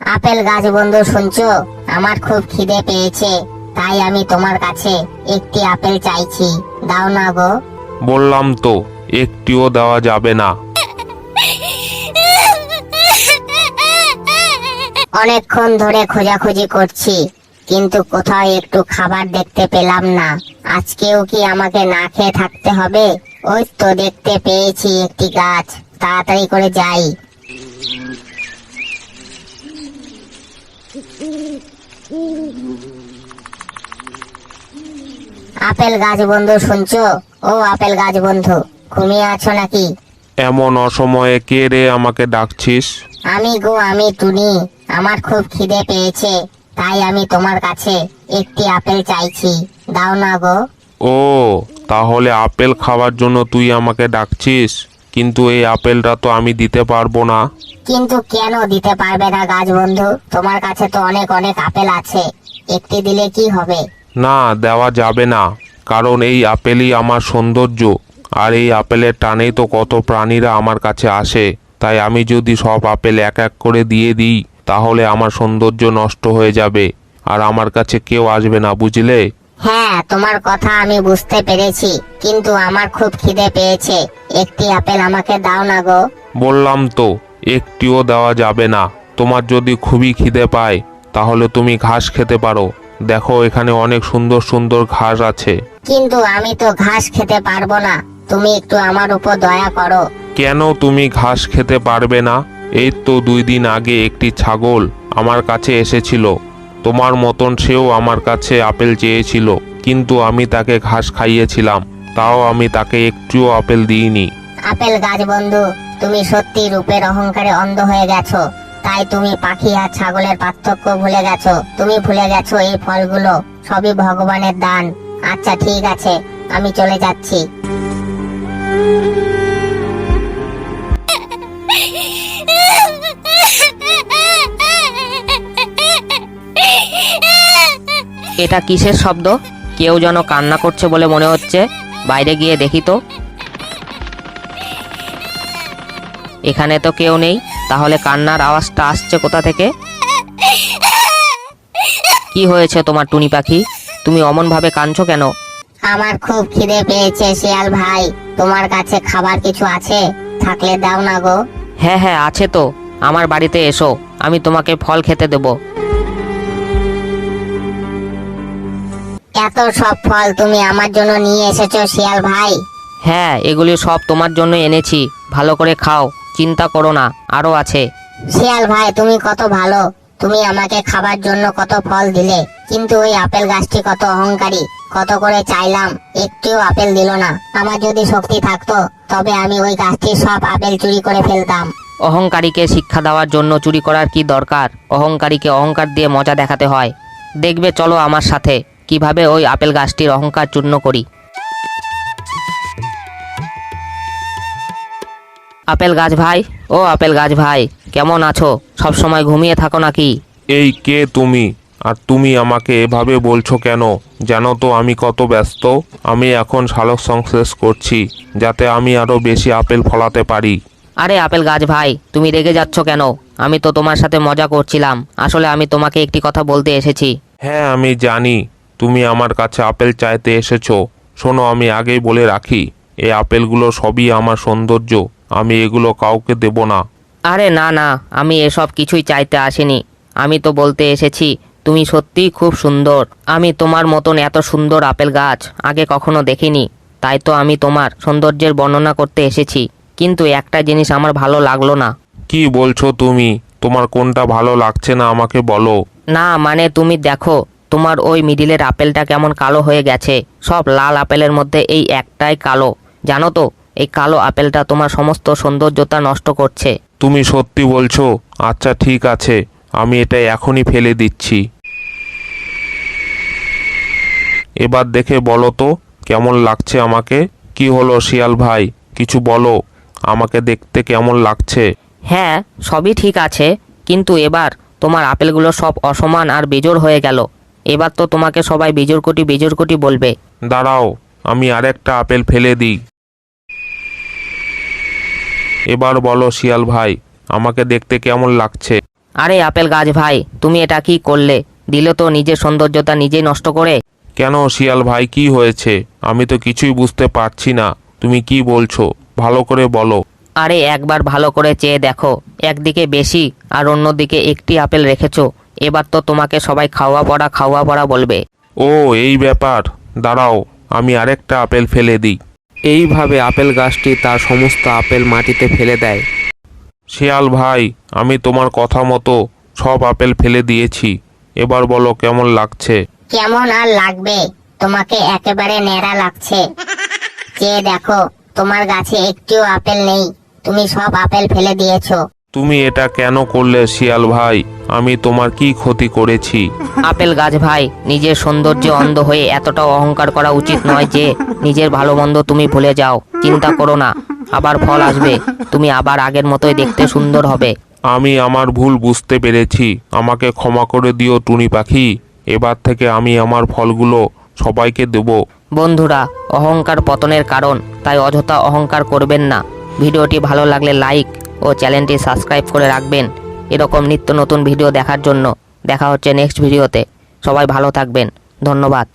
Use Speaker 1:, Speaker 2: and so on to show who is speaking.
Speaker 1: Apple গাছ বন্ধু, শুনছো? আমার খুব খিদে পেয়েছে, তাই আমি তোমার কাছে একটি আপেল চাইছি, দাও না গো।
Speaker 2: বললাম তো একটিও দেওয়া যাবে না।
Speaker 1: অনেকক্ষণ ধরে খোঁজাখুঁজি করছি, কিন্তু কোথাও একটু খাবার দেখতে পেলাম না। আজকেও কি আমাকে না খেয়ে থাকতে হবে? ওই তো দেখতে পেয়েছি একটি গাছ, তাড়াতাড়ি করে যাই। আপেল গাছ বন্ধু, শুনছো? ও আপেল গাছ বন্ধু, ঘুমিয়ে আছো নাকি?
Speaker 2: এমন অসময়ে কে রে আমাকে ডাকছিস?
Speaker 1: আমি গো, আমি টুনি। আমার খুব খিদে পেয়েছে, তাই আমি তোমার কাছে একটি আপেল চাইছি, দাও না গো।
Speaker 2: ও, তাহলে আপেল খাওয়ার জন্য তুই আমাকে ডাকছিস? কিন্তু এই আপেলটা তো আমি দিতে পারবো না।
Speaker 1: কিন্তু কেন দিতে পারবে না গাছ বন্ধু? তোমার কাছে তো অনেক অনেক আপেল আছে, একটি দিলে কি হবে?
Speaker 2: না, দেওয়া যাবে না, কারণ এই আপেলই আমার সৌন্দর্য। আর এই আপেলের টানেই তো কত প্রাণীরা আমার কাছে আসে। তাই আমি যদি সব আপেল এক এক করে দিয়ে দিই, তাহলে আমার সৌন্দর্য নষ্ট হয়ে যাবে, আর আমার কাছে কেউ আসবে না, বুঝলে?
Speaker 1: হ্যাঁ, তোমার কথা আমি বুঝতে পেরেছি, কিন্তু আমার খুব খিদে পেয়েছে, একটি আপেল আমাকে দাও না গো।
Speaker 2: বললাম তো একটিও দেওয়া যাবে না। তোমার যদি খুবই খিদে পায়, তাহলে তুমি ঘাস খেতে পারো। দেখো, এখানে অনেক সুন্দর সুন্দর ঘাস আছে।
Speaker 1: কিন্তু আমি তো ঘাস খেতে পারবো না, তুমি একটু আমার উপর দয়া করো।
Speaker 2: কেন তুমি ঘাস খেতে পারবে না? এই তো 2 দিন আগে একটি ছাগল আমার কাছে এসেছিল, তোমার মতন সেও আমার কাছে আপেল চেয়েছিল, কিন্তু আমি তাকে ঘাস খাইয়েছিলাম, তাও আমি তাকে একটুও আপেল দিইনি।
Speaker 1: আপেল গাছ বন্ধু, তুমি সত্যি রূপের অহংকারে অন্ধ হয়ে গেছো। তাই তুমি পাখি আর ছাগলের পার্থক্য ভুলে গেছো। তুমি ভুলে গেছো এই ফলগুলো সবই ভগবানের দান। আচ্ছা ঠিক আছে, আমি চলে যাচ্ছি।
Speaker 3: এটা কিসের শব্দ? কেউ যেন কান্না করছে বলে মনে হচ্ছে। বাইরে গিয়ে দেখি তো। এখানে তো কেউ নেই, তাহলে কান্নার আওয়াজটা আসছে কোথা থেকে? কি হয়েছে তোমার টুনি পাখি? তুমি অমন ভাবে কাঁদছো কেন?
Speaker 1: আমার খুব খিদে পেয়েছে শিয়াল ভাই, তোমার কাছে খাবার কিছু আছে? থাকলে দাও না গো।
Speaker 3: হ্যাঁ হ্যাঁ, আছে তো। আমার বাড়িতে এসো, আমি তোমাকে ফল খেতে দেব।
Speaker 1: এত সব ফল তুমি আমার জন্য নিয়ে এসেছো শিয়াল ভাই?
Speaker 3: হ্যাঁ, এগুলি সব তোমার জন্য এনেছি, ভালো করে খাও, চিন্তা করো না, আরো আছে।
Speaker 1: শিয়াল ভাই তুমি কত ভালো, তুমি আমাকে খাবার জন্য কত ফল দিলে, কিন্তু ওই আপেল গাছটি কত অহংকারী। কত করে চাইলাম, একটিও আপেল দিল না। আমার যদি শক্তি থাকতো, তবে আমি ওই গাছটির সব আপেল চুরি করে ফেলতাম।
Speaker 3: অহংকারীকে শিক্ষা দেওয়ার জন্য চুরি করার কি দরকার? অহংকারীকে অহংকার দিয়ে মজা দেখাতে হয়। দেখবে, চলো আমার সাথে, কিভাবে ওই আপেল গাছটির অহংকার চূর্ণ করি। আপেল গাছ ভাই, ও আপেল গাছ ভাই, কেমন আছো? সব সময় ঘুমিয়ে থাকো নাকি?
Speaker 2: এই কে তুমি? আর তুমি আমাকে এভাবে বলছো কেন? জানো তো আমি কত ব্যস্ত। আমি এখন সালোক সংশ্লেষ করছি, যাতে আমি আরো বেশি আপেল ফলাতে পারি।
Speaker 3: আরে আপেল গাছ ভাই, তুমি রেগে যাচ্ছ কেন? আমি তো তোমার সাথে মজা করছিলাম, আসলে আমি তোমাকে একটি কথা বলতে এসেছি।
Speaker 2: হ্যাঁ, আমি জানি তুমি আমার কাছে আপেল চাইতে এসেছো। শোনো, আমি আগেই বলে রাখি, এই আপেলগুলো সবই আমার সৌন্দর্য, আমি এগুলো কাউকে দেব না।
Speaker 3: আরে না না, আমি এসব কিছুই চাইতে আসিনি। আমি তো বলতে এসেছি, তুমি সত্যিই খুব সুন্দর। আমি তোমার মতন এত সুন্দর আপেল গাছ আগে কখনো দেখিনি, তাই তো আমি তোমার সৌন্দর্যের বর্ণনা করতে এসেছি। কিন্তু একটা জিনিস আমার ভালো লাগলো না।
Speaker 2: কি বলছো তুমি? তোমার কোনটা ভালো লাগছে না আমাকে বলো।
Speaker 3: না মানে, তুমি দেখো, তোমার ওই মিডিলের আপেলটা কেমন কালো হয়ে গেছে। সব লাল আপেলের মধ্যে এই একটাই কালো। জানো তো, এই কালো আপেলটা তোমার সমস্ত সৌন্দর্যতা নষ্ট করছে।
Speaker 2: তুমি সত্যি বলছো? আচ্ছা ঠিক আছে, আমি এটা এখনই ফেলে দিচ্ছি। এবার দেখে বলো তো কেমন লাগছে আমাকে। কি হলো শিয়াল ভাই, কিছু বলো, আমাকে দেখতে কেমন লাগছে?
Speaker 3: হ্যাঁ, সবই ঠিক আছে, কিন্তু এবার তোমার আপেলগুলো সব অসমান আর বেজোড় হয়ে গেল। এবার তো তোমাকে সবাই বেজোড় কোটি বলবে।
Speaker 2: দাঁড়াও, আমি আরেকটা আপেল ফেলে দিই। এবার বলো শিয়াল ভাই, আমাকে দেখতে কেমন লাগছে?
Speaker 3: আরে আপেল গাছ ভাই, তুমি এটা কি করলে? দিলে তো নিজের সৌন্দর্যতা নিজেই নষ্ট করে।
Speaker 2: কেন শিয়াল ভাই, কি হয়েছে? আমি তো কিছুই বুঝতে পারছি না, তুমি কি বলছো? ভালো করে বলো।
Speaker 3: আরে একবার ভালো করে চেয়ে দেখো, একদিকে বেশি আর অন্যদিকে একটি আপেল রেখেছো। এবার তো তোমাকে সবাই খাওয়া পড়া বলবে।
Speaker 2: ও এই ব্যাপার, দাঁড়াও আমি আরেকটা আপেল ফেলে দিই।
Speaker 4: এইভাবে আপেল গাছটি তার সমস্ত আপেল মাটিতে ফেলে দেয়।
Speaker 2: শিয়াল ভাই, আমি তোমার কথা মতো সব আপেল ফেলে দিয়েছি, এবার বলো কেমন লাগছে?
Speaker 1: কেমন আর লাগবে, তোমাকে একেবারে ন্যাড়া লাগছে। চেয়ে দেখো, তোমার গাছে একটিও আপেল নেই, তুমি সব আপেল ফেলে দিয়েছো।
Speaker 2: তুমি এটা কেন করলে শিয়াল ভাই? আমি তোমার কি ক্ষতি করেছি?
Speaker 3: আপেল গাছ ভাই, নিজের সৌন্দর্যে অন্ধ হয়ে এতটাও অহংকার করা উচিত নয় যে নিজের ভালো মন্দ তুমি ভুলে যাও। চিন্তা করো না, আবার ফল আসবে, তুমি আবার আগের মতোই দেখতে সুন্দর হবে।
Speaker 2: আমি আমার ভুল বুঝতে পেরেছি, আমাকে ক্ষমা করে দিও টুনি পাখি। এবার থেকে আমি আমার ফলগুলো সবাইকে দেব।
Speaker 3: বন্ধুরা, অহংকার পতনের কারণ, তাই অযথা অহংকার করবেন না। ভিডিওটি ভালো লাগলে লাইক ও চ্যানেলটি সাবস্ক্রাইব করে রাখবেন এরকম নিত্য নতুন ভিডিও দেখার জন্য। দেখা হচ্ছে নেক্সট ভিডিওতে। সবাই ভালো থাকবেন, ধন্যবাদ।